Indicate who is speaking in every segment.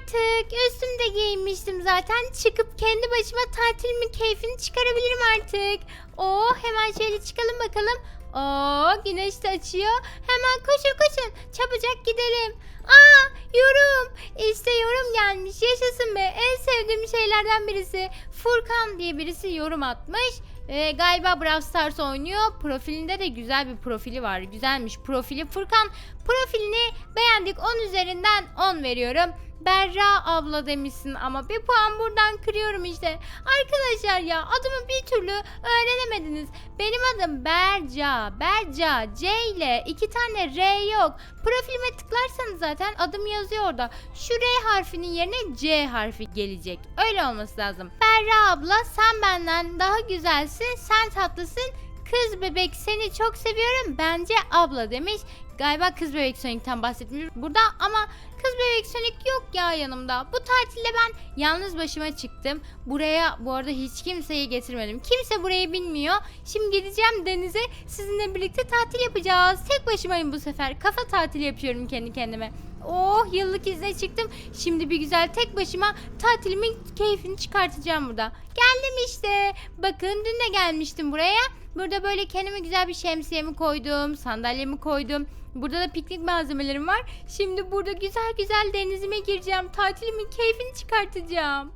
Speaker 1: artık. Üstümde giyinmiştim zaten. Çıkıp kendi başıma tatilimin keyfini çıkarabilirim artık. Oo, hemen şöyle çıkalım bakalım. Oo, güneş de açıyor. Hemen koşun koşun. Çabucak gidelim. Aa, yorum. İşte yorum gelmiş. Yaşasın be. En sevdiğim şeylerden birisi. Furkan diye birisi yorum atmış. Galiba Brawl Stars oynuyor. Profilinde de güzel bir profili var. Güzelmiş profili. Furkan profilini beğendik. 10 üzerinden 10 veriyorum. Berra abla demişsin ama bir puan buradan kırıyorum işte. Arkadaşlar ya, adımı bir türlü öğrenemediniz. Benim adım Berca. Berca. C ile 2 tane R yok. Profilime tıklarsanız zaten adım yazıyor orada. Şu R harfinin yerine C harfi gelecek. Öyle olması lazım. Berra abla, sen benden daha güzelsin. Sen tatlısın. Kız bebek, seni çok seviyorum. Bence abla demiş. Galiba kız bebek Sonic'ten bahsetmiş burada ama kız bebek Sonic yok ya yanımda. Bu tatilde ben yalnız başıma çıktım. Buraya bu arada hiç kimseyi getirmedim. Kimse burayı bilmiyor. Şimdi gideceğim denize, sizinle birlikte tatil yapacağız. Tek başımayım bu sefer. Kafa tatili yapıyorum kendi kendime. Oh, yıllık izne çıktım. Şimdi bir güzel tek başıma tatilimin keyfini çıkartacağım burada. Geldim işte. Bakın, dün de gelmiştim buraya. Burada böyle kendime güzel bir şemsiyemi koydum. Sandalyemi koydum. Burada da piknik malzemelerim var. Şimdi burada güzel güzel denizime gireceğim. Tatilimin keyfini çıkartacağım.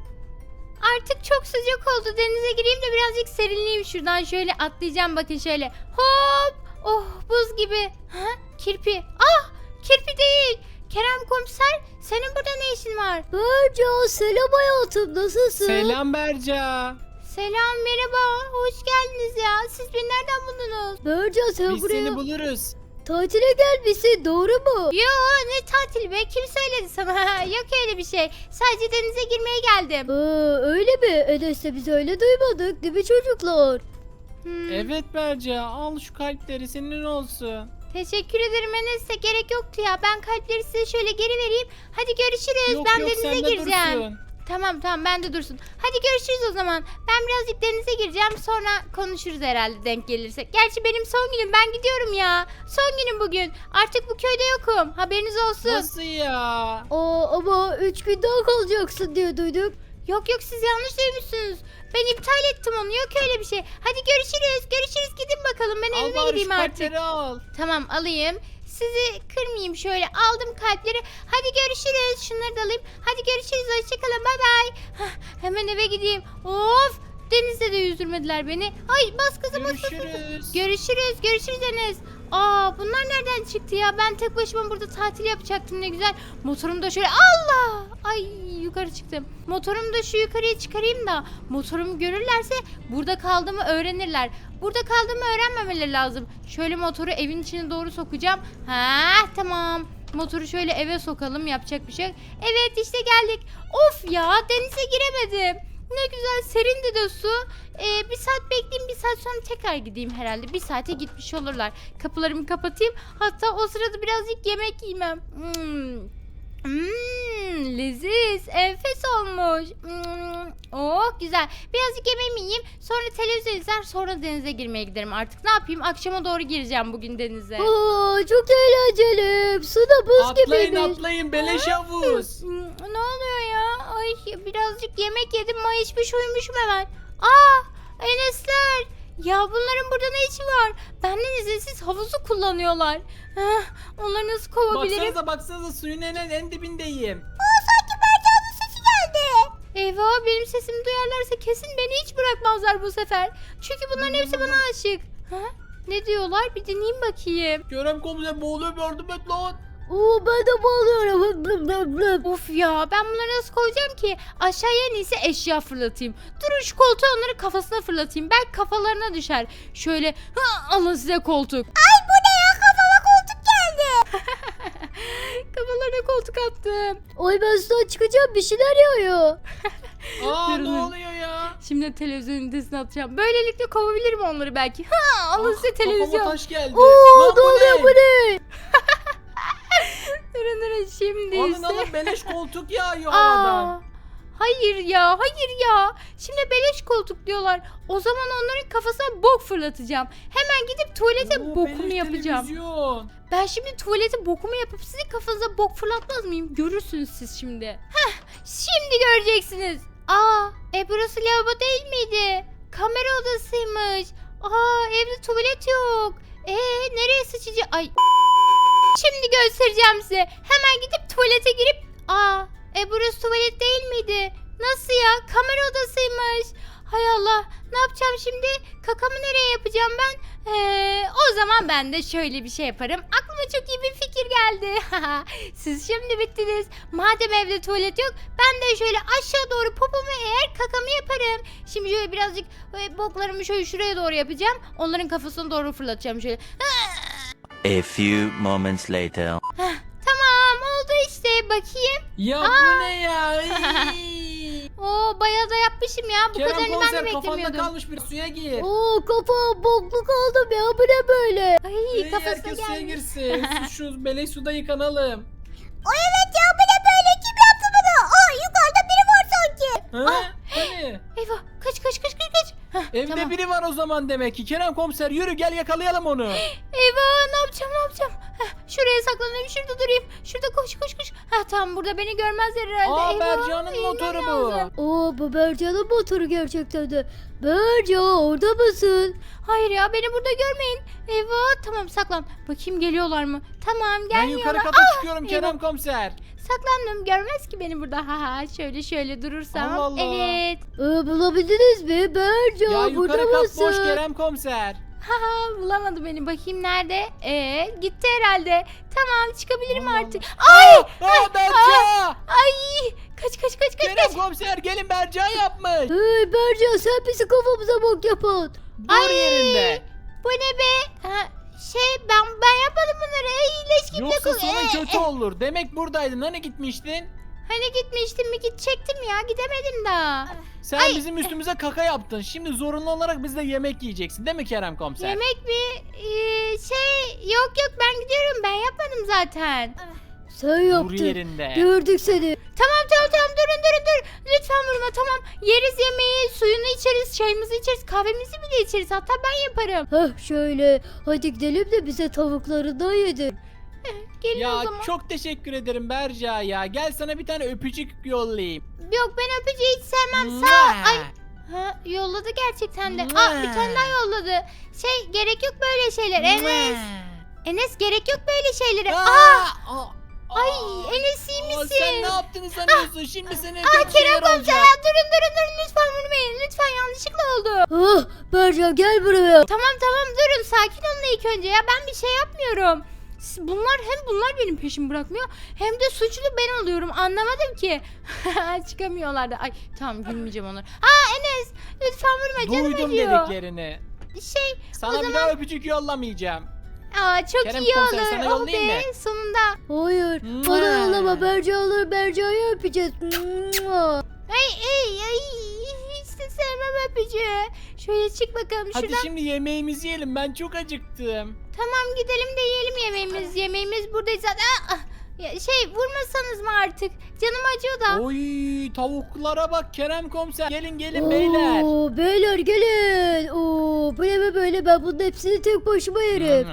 Speaker 1: Artık çok sıcak oldu. Denize gireyim de birazcık serinleyeyim. Şuradan şöyle atlayacağım, bakın şöyle. Hop! Oh, buz gibi. Ha? Kirpi. Ah! Kirpi değil. Kerem komiser, senin burada ne işin var?
Speaker 2: Berca, selam hayatım, nasılsın?
Speaker 3: Selam Berca.
Speaker 1: Selam, merhaba. Hoş geldiniz ya. Siz beni nereden buldunuz?
Speaker 2: Berca, sen
Speaker 3: Biz
Speaker 2: buraya
Speaker 3: seni buluruz.
Speaker 2: tatile gelmişsin, doğru mu?
Speaker 1: Yo, ne tatil be? Kim söyledi sana? Yok öyle bir şey. Sadece denize girmeye geldim.
Speaker 2: Öyle mi? Enes de biz öyle duymadık değil mi çocuklar?
Speaker 3: Evet Berca, al şu kalpleri, senin olsun.
Speaker 1: Teşekkür ederim Enes, de gerek yoktu ya. Ben kalpleri size şöyle geri vereyim. Hadi görüşürüz.
Speaker 3: Yok
Speaker 1: ben
Speaker 3: yok,
Speaker 1: denize
Speaker 3: sende
Speaker 1: gireceğim.
Speaker 3: dursun.
Speaker 1: Tamam ben de dursun. Hadi görüşürüz o zaman. Ben birazcık denize gireceğim, sonra konuşuruz herhalde denk gelirsek. Gerçi benim son günüm, ben gidiyorum ya. Son günüm bugün. Artık bu köyde yokum. Haberiniz olsun.
Speaker 3: Nasıl ya?
Speaker 2: Ama 3 gün daha kalacaksın diye duyduk.
Speaker 1: Yok siz yanlış duymuşsunuz. Ben iptal ettim onu, yok öyle bir şey. Hadi görüşürüz. Gidin bakalım, ben
Speaker 3: Al
Speaker 1: evime
Speaker 3: bari
Speaker 1: gideyim
Speaker 3: şu
Speaker 1: artık.
Speaker 3: kalpleri al.
Speaker 1: Tamam, alayım. Sizi kırmayayım, şöyle aldım kalpleri. Hadi görüşürüz. Şunları da alayım. Hadi görüşürüz. Hoşçakalın. Bay bay. Hemen eve gideyim. Of! Denizde de yüzdürmediler beni. Ay, bas kızım, bas.
Speaker 3: Görüşürüz.
Speaker 1: Görüşürüz Enes. Aa, bunlar nereden çıktı ya? Ben tek başıma burada tatil yapacaktım, ne güzel. Motorum da şöyle, Allah! Ay, yukarı çıktım. Motorumu da şu yukarıya çıkarayım da motorumu görürlerse burada kaldığımı öğrenirler. Burada kaldığımı öğrenmemeleri lazım. Şöyle motoru evin içine doğru sokacağım. Ha, tamam. Motoru şöyle eve sokalım, yapacak bir şey yok. Evet, işte geldik. Of ya, denize giremedim. Ne güzel serindi de su. Bir saat bekleyeyim, bir saat sonra tekrar gideyim herhalde. Bir saate gitmiş olurlar. Kapılarımı kapatayım. Hatta o sırada birazcık yemek yemem. Leziz, enfes olmuş. Oh, güzel. Birazcık yemeğimi yiyeyim. Sonra televizyon izler, sonra denize girmeye giderim artık. Ne yapayım? Akşama doğru gireceğim bugün denize.
Speaker 2: Çok eğlenceli. Su da buz gibiymiş.
Speaker 3: Atlayın, beleş havuz.
Speaker 1: Ne oluyor ya? Ay, birazcık yemek yedim, mayışmış uyumuşum hemen. Enesler. Ya bunların burada ne işi var? Benden izinsiz havuzu kullanıyorlar. Onları nasıl kovabilirim?
Speaker 3: Baksanıza suyun en dibindeyim.
Speaker 1: Eyvah, benim sesimi duyarlarsa kesin beni hiç bırakmazlar bu sefer. Çünkü bunların hepsi bana aşık. Ne diyorlar? Bir dinleyeyim bakayım.
Speaker 3: Kerem komiser boğuluyor, yardım et lan.
Speaker 2: Ben de bağlıyorum.
Speaker 1: Of ya, ben bunları nasıl koyacağım ki? Aşağıya en iyisi eşya fırlatayım. Durun, şu koltuğu onları kafasına fırlatayım. Belki kafalarına düşer. Şöyle, alın size koltuk. Ay, bu ne ya? Kafama koltuk geldi. Kafalarına koltuk attım.
Speaker 2: Ay, ben sudan çıkacağım, bir şeyler yağıyor.
Speaker 3: Ne oluyor ya?
Speaker 1: Şimdi televizyonun ünitesine atacağım. Böylelikle kovabilirim onları belki. Alın size
Speaker 3: Kafama
Speaker 1: televizyon.
Speaker 3: taş geldi.
Speaker 2: Ne oluyor bu ne?
Speaker 1: Durun, şimdi ise.
Speaker 3: Alın beleş koltuk yağıyor havadan.
Speaker 1: Hayır ya, hayır ya. Şimdi beleş koltuk diyorlar. O zaman onların kafasına bok fırlatacağım. Hemen gidip tuvalete
Speaker 3: Oo,
Speaker 1: bokumu
Speaker 3: beleş
Speaker 1: yapacağım.
Speaker 3: televizyon.
Speaker 1: Ben şimdi tuvalete bokumu yapıp sizin kafanıza bok fırlatmaz mıyım? Görürsünüz siz şimdi. Şimdi göreceksiniz. Burası lavabo değil miydi? Kamera odasıymış. Evde tuvalet yok. Nereye sıçacağım? Ay. Şimdi göstereceğim size. Hemen gidip tuvalete girip burası tuvalet değil miydi? Nasıl ya? Kamera odasıymış. Hay Allah. Ne yapacağım şimdi? Kakamı nereye yapacağım ben? O zaman ben de şöyle bir şey yaparım. Aklıma çok iyi bir fikir geldi. Siz şimdi bittiniz. Madem evde tuvalet yok, ben de şöyle aşağı doğru popomu eğer kakamı yaparım. Şimdi şöyle birazcık boklarımı şöyle şuraya doğru yapacağım. Onların kafasına doğru fırlatacağım şöyle.
Speaker 4: A few moments later.
Speaker 1: Tamam oldu işte. Bakayım.
Speaker 3: Ya bu ne ya?
Speaker 1: Bayağı da yapmışım ya. Bu
Speaker 3: Kerem
Speaker 1: kadarını ben de
Speaker 3: komiser kafanda
Speaker 1: beklemiyordum.
Speaker 3: kalmış, bir suya gir.
Speaker 2: Kafa bokluk oldum ya, bu ne böyle?
Speaker 1: Ay kafasına
Speaker 3: Herkes suya
Speaker 1: gelmiş.
Speaker 3: girsin. Şu beleş suda yıkanalım.
Speaker 2: Evet ya, bu ne böyle? Kim yaptı bunu? Yukarıda biri var sanki.
Speaker 3: Ha? Hani?
Speaker 1: Eyvah kaç.
Speaker 3: Evde
Speaker 1: Tamam.
Speaker 3: biri var o zaman demek ki. Kerem komiser yürü gel yakalayalım onu.
Speaker 1: Eyvah ne yapacağım? Şuraya saklanayım, şurada durayım. Şurada koş. Tamam, burada beni görmezler herhalde.
Speaker 3: Berca'nın
Speaker 1: inmem
Speaker 3: motoru bu.
Speaker 1: lazım.
Speaker 2: Bu Berca'nın motoru gerçekten de. Berca, orada mısın?
Speaker 1: Hayır ya, beni burada görmeyin. Eyvah tamam, saklan. Bakayım geliyorlar mı? Tamam
Speaker 3: Ben
Speaker 1: gelmiyorlar.
Speaker 3: yukarı kata çıkıyorum Kerem
Speaker 1: eyvah.
Speaker 3: komiser.
Speaker 1: Saklandım, görmez ki beni burada. Şöyle durursam.
Speaker 3: Allah Allah.
Speaker 1: Evet.
Speaker 2: Bulabildiniz mi? Berca,
Speaker 3: Ya
Speaker 2: burada
Speaker 3: yukarı kat
Speaker 2: mısın?
Speaker 3: boş Kerem komiser.
Speaker 1: Bulamadı beni. Bakayım nerede? Gitti herhalde. Tamam, çıkabilirim
Speaker 3: Allah
Speaker 1: artık. Ay!
Speaker 3: Berca!
Speaker 1: Ay! Kaç.
Speaker 3: Kerem komiser gelin, Berca yapmış.
Speaker 2: Hey Berca, sen bizi kafamıza bok yapan.
Speaker 3: Dur yerinde.
Speaker 1: Bu ne be? Ben yapmadım bunları. Leş gibi
Speaker 3: Yoksa
Speaker 1: kokuyor.
Speaker 3: sonun kötü olur. Demek buradaydın. Hani gitmiştin?
Speaker 1: Hani gitmiştim mi, gidecektim ya, gidemedim daha.
Speaker 3: Sen bizim üstümüze kaka yaptın. Şimdi zorunlu olarak biz de yemek yiyeceksin. Değil mi Kerem komiser?
Speaker 1: Yemek mi? Yok ben gidiyorum, ben yapmadım zaten.
Speaker 2: Sen
Speaker 3: Dur
Speaker 2: yaptın.
Speaker 3: yerinde.
Speaker 2: Gördük seni.
Speaker 1: Tamam durun. Lütfen vurma, tamam. Yeriz yemeği, suyunu içeriz, çayımızı içeriz, kahvemizi bile içeriz. Hatta ben yaparım.
Speaker 2: Şöyle. Hadi gidelim de bize tavuklarından yedir.
Speaker 1: Gelin o
Speaker 3: Ya
Speaker 1: zaman.
Speaker 3: çok teşekkür ederim Berca ya. Gel sana bir tane öpücük yollayayım.
Speaker 1: Yok, ben öpücüğü hiç sevmem. Sağ ol. Ay. Yolladı gerçekten de. Bir tane daha yolladı. Gerek yok böyle şeyler. Enes gerek yok böyle şeylere. Ay Enes iyi misin?
Speaker 3: Sen ne yaptığını sanıyorsun? Şimdi senin kötü
Speaker 1: Kerem
Speaker 3: şeyler
Speaker 1: komiser,
Speaker 3: olacak.
Speaker 1: durun lütfen vurmayın. Lütfen, yanlışlıkla oldu.
Speaker 2: Berca gel buraya.
Speaker 1: Tamam durun, sakin olun ilk önce ya, ben bir şey yapmıyorum. Bunlar benim peşimi bırakmıyor, hem de suçlu ben oluyorum, anlamadım ki. Çıkamıyorlar da. Ay tamam, gülmeyeceğim onlara. Enes lütfen vurma, canım
Speaker 3: Duydum
Speaker 1: acıyor.
Speaker 3: dediklerini.
Speaker 1: O
Speaker 3: Sana bir
Speaker 1: zaman-
Speaker 3: daha öpücük yollamayacağım.
Speaker 1: Çok
Speaker 3: Kerem
Speaker 1: iyi
Speaker 3: komiser,
Speaker 1: olur.
Speaker 3: sana yollayayım mı?
Speaker 1: Sonunda.
Speaker 2: Hayır. Bana yollama, Berca alır, Berca'yı öpeceğiz.
Speaker 1: Ay hiç de sevmem öpücüğü. Şöyle çık bakalım
Speaker 3: Hadi
Speaker 1: şuradan.
Speaker 3: şimdi yemeğimizi yiyelim. Ben çok acıktım.
Speaker 1: Tamam gidelim de yiyelim yemeğimiz. Yemeğimiz buradayız zaten. Vurmasanız mı artık? Canım acıyor da.
Speaker 3: Oy, tavuklara bak Kerem komiser. Gelin beyler.
Speaker 2: Beyler gelin. Bu ne be böyle, ben bunun hepsini tek başıma yerim.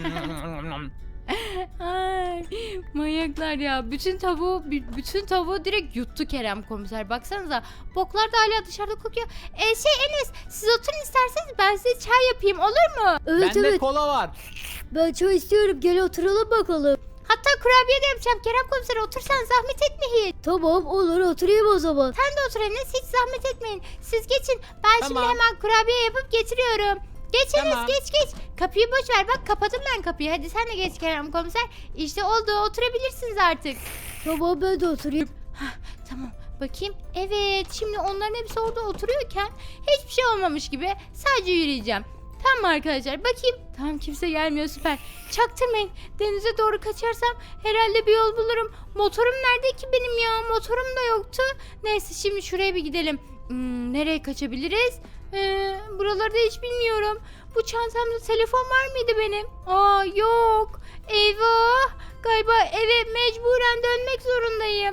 Speaker 1: Ay, manyaklar ya. Bütün tavuğu direkt yuttu Kerem komiser. Baksanıza. Boklar da hala dışarıda kokuyor. Enes, siz oturun isterseniz, ben size çay yapayım, olur mu?
Speaker 2: Evet
Speaker 3: Bende
Speaker 2: evet,
Speaker 3: kola var.
Speaker 2: ben çay istiyorum, gel oturalım bakalım.
Speaker 1: Hatta kurabiye de yapacağım. Kerem komiser, otursan zahmet etme hiç.
Speaker 2: Tamam olur, oturayım o zaman.
Speaker 1: Sen de otur Enes, hiç zahmet etmeyin. Siz geçin. Ben şimdi
Speaker 3: Tamam.
Speaker 1: hemen kurabiye yapıp getiriyorum. Geç Enes,
Speaker 3: Tamam.
Speaker 1: geç. Kapıyı boş ver, bak kapadım ben kapıyı. Hadi sen de geç Kerem komiser. İşte oldu, oturabilirsiniz artık.
Speaker 2: Tamam, ben de oturayım.
Speaker 1: Tamam, bakayım. Evet, şimdi onların hepsi orada oturuyorken hiçbir şey olmamış gibi sadece yürüyeceğim. Tamam arkadaşlar, bakayım. Tamam, kimse gelmiyor, süper. Çaktırmayın. Denize doğru kaçarsam herhalde bir yol bulurum. Motorum nerede ki benim ya? Motorum da yoktu. Neyse, şimdi şuraya bir gidelim. Nereye kaçabiliriz? Buralarda hiç bilmiyorum. Bu çantamda telefon var mıydı benim? Yok. Eyvah. Galiba eve mecburen dönmek zorundayım.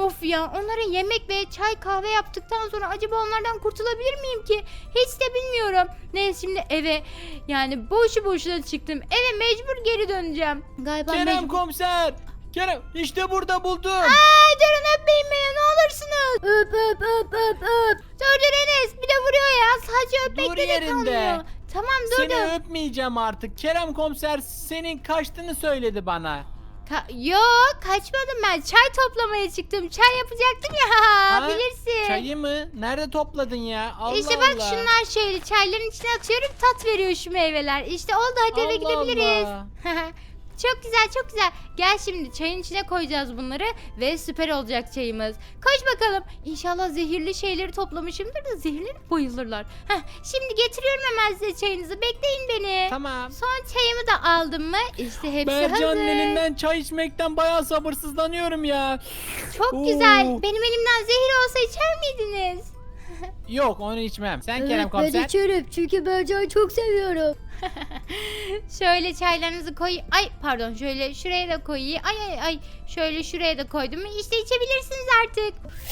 Speaker 1: Of ya, onlara yemek ve çay kahve yaptıktan sonra acaba onlardan kurtulabilir miyim ki? Hiç de bilmiyorum. Neyse şimdi eve, yani boşu boşuna çıktım. Eve mecbur geri döneceğim. Galiba
Speaker 3: Kerem
Speaker 1: mecbur.
Speaker 3: komiser. Kerem işte burada buldum.
Speaker 1: Ay durun, öpmeyin beni ne olursunuz.
Speaker 2: Öp öp öp öp öp.
Speaker 1: Dur Enes, bir de vuruyor ya. Sadece
Speaker 3: Dur
Speaker 1: öpmekle de
Speaker 3: yerinde.
Speaker 1: kalmıyor. Tamam
Speaker 3: Seni
Speaker 1: durdum.
Speaker 3: öpmeyeceğim artık. Kerem komiser senin kaçtığını söyledi bana.
Speaker 1: Yok, kaçmadım ben. Çay toplamaya çıktım. Çay yapacaktım ya.
Speaker 3: Ha?
Speaker 1: Bilirsin.
Speaker 3: Çayı mı? Nerede topladın ya? Allah
Speaker 1: İşte bak
Speaker 3: Allah.
Speaker 1: şunlar şöyle çayların içine atıyorum, tat veriyor şu meyveler. İşte oldu, hadi eve
Speaker 3: Allah
Speaker 1: gidebiliriz.
Speaker 3: Allah.
Speaker 1: Çok güzel çok güzel. Gel şimdi çayın içine koyacağız bunları ve süper olacak çayımız. Koş bakalım. İnşallah zehirli şeyleri toplamışımdır da zehirlenip bayılırlar. Şimdi getiriyorum hemen size çayınızı. Bekleyin beni.
Speaker 3: Tamam.
Speaker 1: Son çayımı da aldım mı? İşte hepsi
Speaker 3: Bercan'ın
Speaker 1: hazır.
Speaker 3: elinden çay içmekten bayağı sabırsızlanıyorum ya.
Speaker 1: Çok
Speaker 3: Oo.
Speaker 1: güzel. Benim elimden zehir olsa içer miydiniz?
Speaker 3: Yok onu içmem. Sen Kerem
Speaker 2: Evet ben
Speaker 3: komiser.
Speaker 2: içerim çünkü Bercan'ı çok seviyorum.
Speaker 1: Şöyle çaylarınızı koy. Ay pardon, şöyle şuraya da koyayım. Ay. Şöyle şuraya da koydum. İşte içebilirsiniz artık.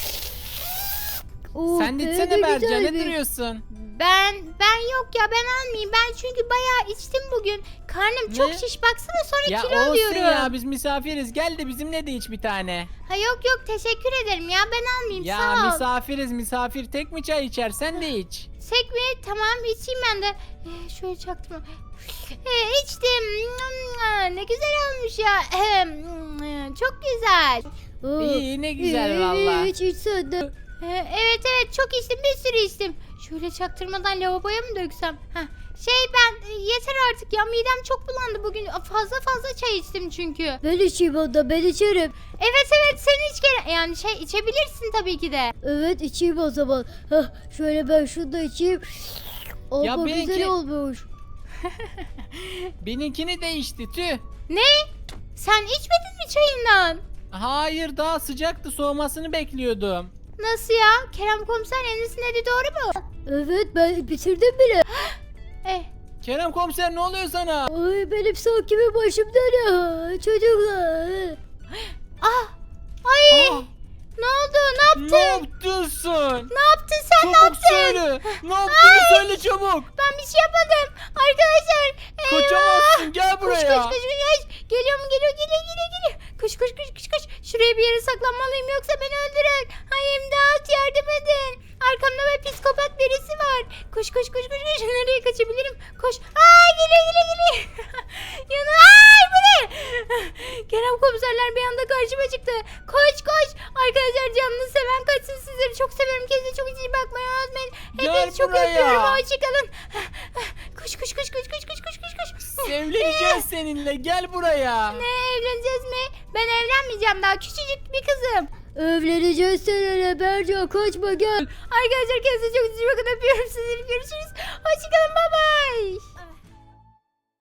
Speaker 2: Oh,
Speaker 3: Sen de
Speaker 2: ne
Speaker 3: içsene Bercan, ne
Speaker 2: güzelmiş.
Speaker 3: duruyorsun?
Speaker 1: Ben yok ya, ben almayayım. Ben çünkü bayağı içtim bugün. Karnım çok
Speaker 3: Ne?
Speaker 1: şiş, baksana, sonra
Speaker 3: Ya
Speaker 1: kilo
Speaker 3: olsun
Speaker 1: alıyorum.
Speaker 3: ya, biz misafiriz. Gel de bizimle de iç bir tane.
Speaker 1: Ha yok teşekkür ederim ya, ben almayayım,
Speaker 3: Ya
Speaker 1: sağ ol.
Speaker 3: misafiriz, misafir tek mi çay içer? Sen de iç.
Speaker 1: Sek mi? Tamam içeyim ben de. Şöyle çaktım. İçtim. Ne güzel olmuş ya. Çok güzel.
Speaker 2: Oh,
Speaker 3: İyi, ne güzel valla.
Speaker 2: İç sen de.
Speaker 1: Evet çok içtim, bir sürü içtim. Şöyle çaktırmadan lavaboya mı döksem? Ben yeter artık ya, midem çok bulandı bugün. Fazla çay içtim çünkü.
Speaker 2: Ben içeyim onda, ben içerim.
Speaker 1: Evet sen iç gene. Yani içebilirsin tabii ki de.
Speaker 2: Evet içeyim o zaman. Hah, şöyle ben şunu da içeyim.
Speaker 3: Ya
Speaker 2: Ama
Speaker 3: benimki-
Speaker 2: güzel olmuş.
Speaker 3: Benimkini de içti tüh.
Speaker 1: Ne? Sen içmedin mi çayından?
Speaker 3: Hayır, daha sıcaktı, soğumasını bekliyordum.
Speaker 1: Nasıl ya? Kerem komiser Enes'in dediği doğru mu?
Speaker 2: Evet ben bitirdim bile.
Speaker 3: Kerem komiser ne oluyor sana?
Speaker 2: Ay benim sanki bir başım dönüyor. Çocuklar.
Speaker 1: Ay
Speaker 3: Aa,
Speaker 1: ne oldu? Ne
Speaker 3: ne
Speaker 1: yaptın?
Speaker 3: yaptın?
Speaker 1: Ne yaptın sen? Ne
Speaker 3: Çabuk
Speaker 1: yaptın?
Speaker 3: söyle. Ne yaptığını söyle çabuk.
Speaker 1: Ben bir şey yapmadım. Arkadaşlar.
Speaker 3: Kaçamazsın, gel buraya.
Speaker 1: Koş. Geliyor mu? Geliyor. Koş. Şuraya bir yere saklanmalıyım yoksa beni öldürür. Ay imdat, yardım edin. Arkamda bir psikopat birisi var. Koş. Nereye kaçabilirim? Koş. Ay geliyor. Ay bu ne? Kerem komiserler bir anda karşıma çıktı. Koş. Arkadaşlar canını seven kaçsın, sizleri çok seviyorum. Kendinize çok iyi bakmayı unutmayın.
Speaker 3: Gel
Speaker 1: Hepinizi çok
Speaker 3: buraya.
Speaker 1: öpüyorum. Hoşçakalın. Koş.
Speaker 3: Evleneceğiz seninle, gel buraya.
Speaker 1: Ne, evleneceğiz mi? Ben evlenmeyeceğim, daha küçücük bir kızım.
Speaker 2: Evleneceğiz seninle Bercan, kaçma gel.
Speaker 1: Arkadaşlar kendinize çok iyi bakın, öpüyorum sizleri, görüşürüz. Hoşçakalın.